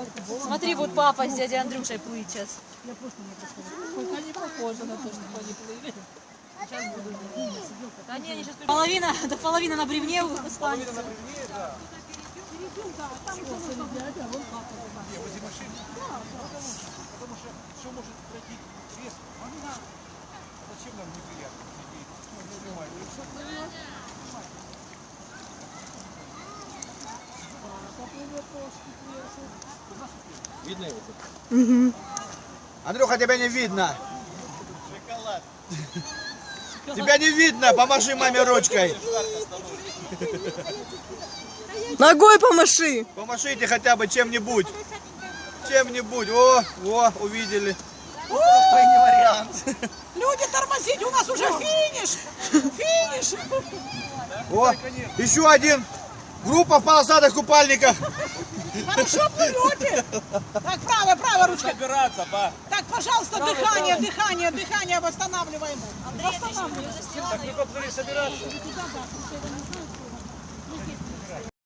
Смотри, вот папа с дядей Андрюшей плыть сейчас. Пока не похоже на то, что они плыли. Сейчас буду. Да не, они сейчас половина на бревне останется. Половина на бревне, да. Не, возле машины. Потому что все может пройти резко. Зачем нам неприятно? Видно его? Андрюха, тебя не видно. Тебя не видно, помаши маме ручкой. Ногой помаши. Помашите хотя бы чем-нибудь. Чем-нибудь. О, увидели. Люди, тормозите, у нас уже финиш! Финиш! О, еще один. Группа в полосатых купальниках. Хорошо плывете! Так, правая ручка. Собираться, па. Так, пожалуйста, дыхание восстанавливаем. Так мы поплыли собираться.